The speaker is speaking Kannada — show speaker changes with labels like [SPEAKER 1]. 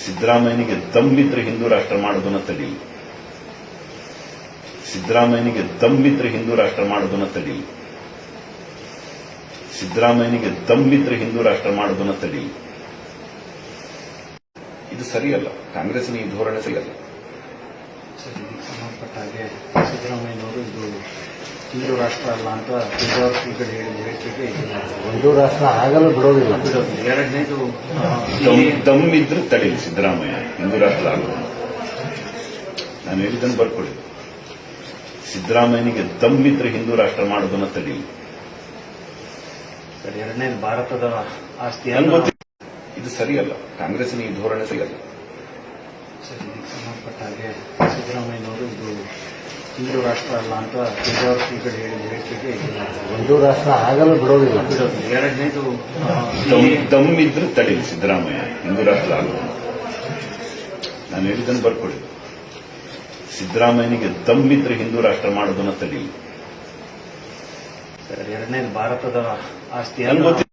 [SPEAKER 1] ಸಿದ್ದರಾಮಯ್ಯನಿಗೆ ದಮ್ಮಿದ್ರೆ ಹಿಂದೂ ರಾಷ್ಟ್ರ ಮಾಡೋದನ್ನ ತಡೀಲಿ. ಸಿದ್ದರಾಮಯ್ಯನಿಗೆ ದಮ್ಮಿದ್ರೆ ಹಿಂದೂ ರಾಷ್ಟ್ರ ಮಾಡೋದನ್ನ ತಡೀಲಿ. ಸಿದ್ದರಾಮಯ್ಯನಿಗೆ ದಮ್ಮಿದ್ರೆ ಹಿಂದೂ ರಾಷ್ಟ್ರ ಮಾಡೋದನ್ನ ತಡೀಲಿ. ಇದು ಸರಿಯಲ್ಲ. ಕಾಂಗ್ರೆಸ್ನ ಈ ಧೋರಣೆ ಸರಿಯಲ್ಲ.
[SPEAKER 2] ಸರ್, ಇದಕ್ಕೆ ಸಂಬಂಧಪಟ್ಟ ಹಾಗೆ ಸಿದ್ದರಾಮಯ್ಯನವರು ಇದು ಹಿಂದೂ ರಾಷ್ಟ್ರ ಅಲ್ಲ ಅಂತ ಕೇಂದ್ರ ಶ್ರೀಗಳು ಹೇಳಿದ ಹೇಳಿಕೆಗೆ
[SPEAKER 3] ಹಿಂದೂ ರಾಷ್ಟ್ರ ಆಗಲು ಬಿಡೋದಿಲ್ಲ.
[SPEAKER 2] ಎರಡನೇದು
[SPEAKER 1] ದಮ್ಮಿದ್ರೆ ತಡೀಲಿ. ಸಿದ್ದರಾಮಯ್ಯ ಹಿಂದೂ ರಾಷ್ಟ್ರ ಆಗೋದು ನಾನು ಹೇಳಿದ್ದನ್ನು ಬರ್ಕೊಳ್ಳಿ. ಸಿದ್ದರಾಮಯ್ಯನಿಗೆ ದಮ್ಮಿದ್ರೆ ಹಿಂದೂ ರಾಷ್ಟ್ರ ಮಾಡೋದನ್ನ ತಡೀಲಿ.
[SPEAKER 2] ಸರ್, ಎರಡನೇದು ಭಾರತದ ಆಸ್ತಿ
[SPEAKER 1] ನನ್ಗೆ ಗೊತ್ತಿಲ್ಲ. ಇದು ಸರಿಯಲ್ಲ. ಕಾಂಗ್ರೆಸ್ನ ಈ ಧೋರಣೆ ಸರಿಯಲ್ಲ.
[SPEAKER 2] ಸರ್, ಇದಕ್ಕೆ ಸಂಬಂಧಪಟ್ಟ ಹಾಗೆ ಸಿದ್ದರಾಮಯ್ಯನವರು ಇದು ಹಿಂದೂ ರಾಷ್ಟ್ರ ಅಲ್ಲ ಅಂತ ಕೇಂದ್ರ ಶ್ರೀಗಳು ಹೇಳಿದ ಹೇಳಿಕೆಗೆ
[SPEAKER 3] ಹಿಂದೂ ರಾಷ್ಟ್ರ ಆಗಲು ಬಿಡೋದಿಲ್ಲ.
[SPEAKER 2] ಎರಡನೇದು
[SPEAKER 1] ದಮ್ಮಿದ್ರೆ ತಡೀಲಿ. ಸಿದ್ದರಾಮಯ್ಯ ಹಿಂದೂ ರಾಷ್ಟ್ರ ಆಗೋದು ನಾನು ಹೇಳಿದ್ದನ್ನು ಬರ್ಕೊಳ್ಳಿ. ಸಿದ್ದರಾಮಯ್ಯನಿಗೆ ದಮ್ಮಿದ್ರೆ ಹಿಂದೂ ರಾಷ್ಟ್ರ ಮಾಡೋದನ್ನ ತಡೀಲಿ.
[SPEAKER 2] ಸರ್, ಎರಡನೇದು ಭಾರತದ ಆಸ್ತಿ
[SPEAKER 1] ನನ್ಗೆ ಗೊತ್ತಿಲ್ಲ.